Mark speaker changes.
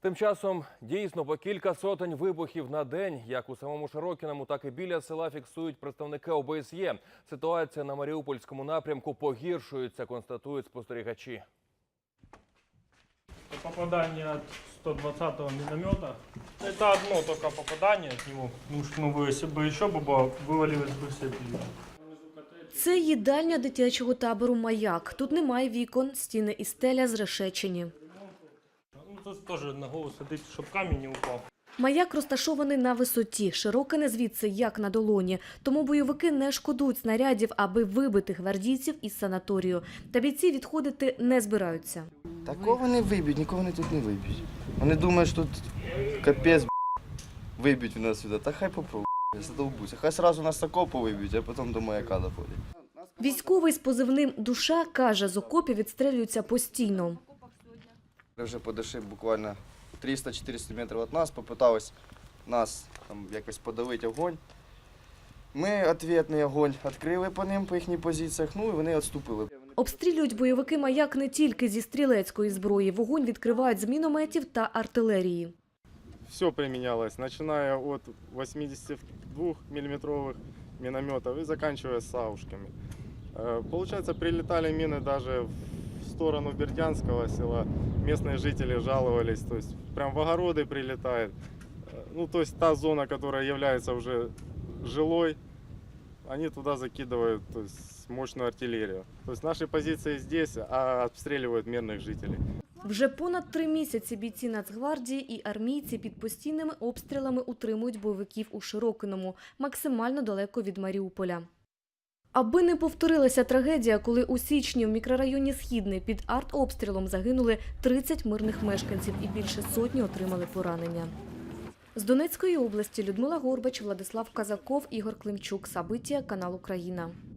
Speaker 1: Тим часом, дійсно, по кілька сотень вибухів на день, як у самому Широкиному, так і біля села фіксують представники ОБСЄ. Ситуація на Маріупольському напрямку погіршується, констатують спостерігачі.
Speaker 2: Попадание от 120-го миномета. Это одно только попадание от него. Ну, если бы еще было, вывалилось бы все пиво.
Speaker 3: Це їдальня дитячого табору «Маяк». Тут немає вікон, стіни і стеля зрешечені.
Speaker 2: Ну, тут тоже на голову садить, щоб камінь не упав.
Speaker 3: «Маяк» розташований на висоті, Широкине звідси як на долоні. Тому бойовики не шкодують снарядів, аби вибити гвардійців із санаторію. Та бійці відходити не збираються.
Speaker 4: Такого не виб'ють, нікого вони тут не виб'ють. Вони думають, що тут капець, виб'ють нас сюди. Та хай попробують, задовбуться. Хай одразу нас з окопу виб'ють, а потім до Маяка доходять.
Speaker 3: Військовий з позивним «Душа» каже, з окопів відстрілюються постійно.
Speaker 4: Ми вже подійшли буквально 300-400 метрів від нас, попитались нас там якось подавити огонь. Ми відповідний огонь відкрили по ним, по їхніх позиціях, ну і вони відступили.
Speaker 3: Обстрілюють бойовики «Маяк» не тільки зі стрілецької зброї. Вогонь відкривають з мінометів та артилерії.
Speaker 5: Все применялось, начиная от 82-миллиметровых минометов и заканчивая саушками. Получается, прилетали мины даже в сторону Бердянского села. Местные жители жаловались, то есть прям в огороды прилетает. Ну, то есть та зона, которая является уже жилой, они туда закидывают, то есть, мощную артиллерию. То есть наши позиции здесь, а обстреливают мирных жителей.
Speaker 3: Вже понад 3 місяці бійці Нацгвардії і армійці під постійними обстрілами утримують бойовиків у Широкиному, максимально далеко від Маріуполя. Аби не повторилася трагедія, коли у січні в мікрорайоні Східний під артобстрілом загинули 30 мирних мешканців і більше сотні отримали поранення. З Донецької області Людмила Горбач, Владислав Казаков, Ігор Климчук. Сабиття, канал Україна.